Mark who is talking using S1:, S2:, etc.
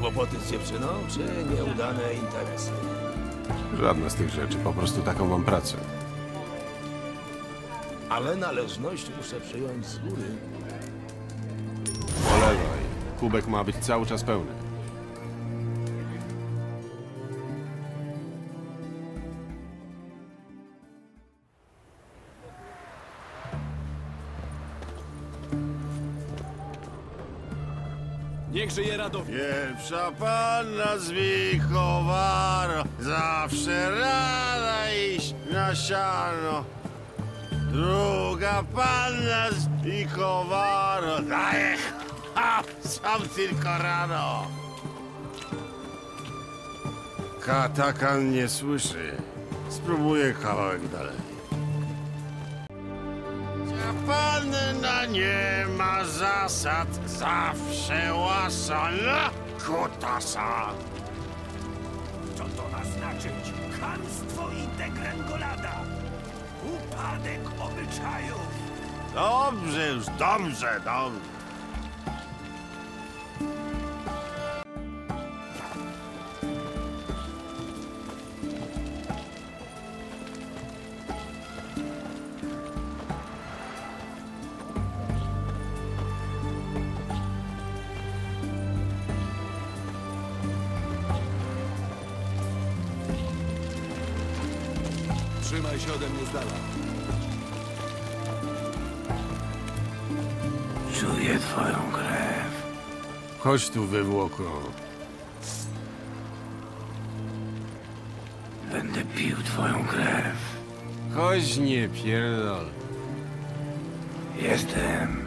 S1: Kłopoty z dziewczyną, czy nieudane interesy?
S2: Żadna z tych rzeczy, po prostu taką mam pracę.
S1: Ale należność muszę przyjąć z góry.
S2: Polewaj. Kubek ma być cały czas pełny.
S3: Niech żyje Radowid.
S4: Pierwsza panna z Wichowaro, zawsze rada iść na siano. Druga panna z Wichowaro, daje sam tylko rano. Katakan nie słyszy. Spróbuję kawałek dalej. Panna nie ma zasad, zawsze łasa na kutasa.
S5: Co to ma znaczyć? Chamstwo i degrengolada. Upadek obyczajów.
S4: Dobrze już, dobrze.
S3: Trzymaj się ode mnie z dala.
S5: Czuję twoją krew.
S4: Chodź tu, wywłoko.
S5: Będę pił twoją krew.
S4: Chodź, nie pierdol.
S5: Jestem